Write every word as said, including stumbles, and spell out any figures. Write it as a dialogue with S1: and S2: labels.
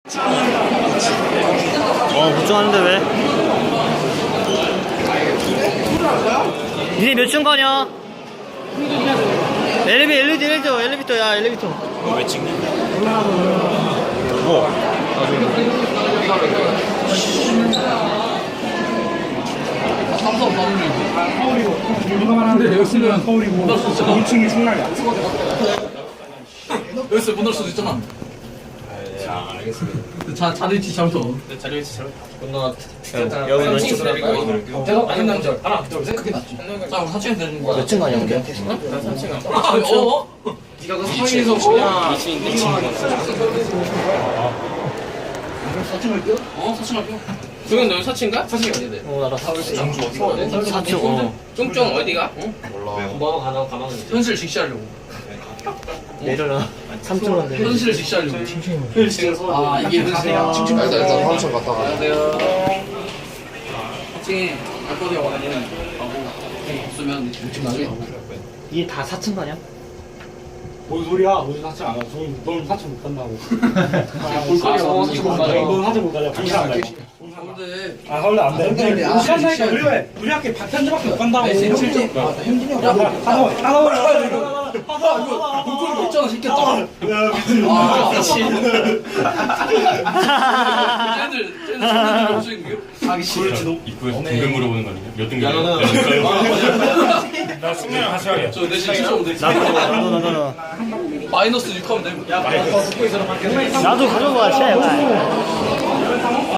S1: 어, 걱정하는데 왜? 니네 몇 층 가냐? 엘리베, 엘리베이터, 엘리베이터, 엘리베이터, 야, 엘리베이터.
S2: 이거 왜 찍니? 뭐?
S3: 삼성 서울이고.
S4: 근데 내가 쓰면 서울이고 이 층이 충남이야.
S3: 여기서 못 넣을 수도 있잖아.
S2: 아, 알겠습니다.
S3: 자, 자리 위치 잘못.
S2: 네, 자리 위치 잘.
S3: 건너가.
S1: 여기 몇 층?
S3: 대답 안 했는 줄. 하나, 둘, 셋. 그게 낫지. 자, 우리 사층에 되는 거야.
S1: 몇 층 가냐, 근데?
S2: 삼 층.
S3: 아, 어? 네가 그 사층에서 그냥.
S2: 이 층인데 이 층.
S3: 사층 할게요? 어, 사층 할게요.
S2: 중현 너 사층가?
S3: 사층이 어디 돼?
S1: 어, 나라 사 층.
S3: 사
S1: 층, 어.
S2: 쫑쫑 어디가?
S3: 뭐 가나 가나. 현실 직시하려고.
S1: 내려라. 삼 층 간대.
S3: 현실을 직시하려고. 아, 이게 현실이야.
S5: 일단 일단 화장실 갔다 가.
S3: 안녕하세요. 사층에 갈 거리가 와가지고 가고 없으면 육 층 나중에 가고.
S1: 이게 다 사 층 가냐?
S4: 뭔 소리야? 너는 사층 안 가. 넌 사층 못 간다고.
S3: 볼거리가 와 사층 못 가요.
S4: 넌 사층 못 가냐? 강사 안 가.
S3: 근데
S4: 아 원래 안 돼.
S3: 근데
S4: 못 간다니까. 우리 우리 학교 편집밖에 못 간다고.
S3: 현진이 형. 현진이 형.
S4: 하나 하나
S3: 이거 볼거리 있잖아 시켰다.
S4: 야 미친.
S3: 아, 그렇지. 쟤들, 쟤들 손님들 없으신 거요? 하기 싫어.
S2: 입구에서 등급 물어보는 거 아니야? 몇 등급?
S3: 야, 너는.
S2: 나 승민이랑 같이 가게.
S3: 저 내신 칠 점 되지.
S1: 나도, 나도, 나도, 나도.
S3: 마이너스 육 하면 되고. 야,
S1: 나도 가져가, 제발.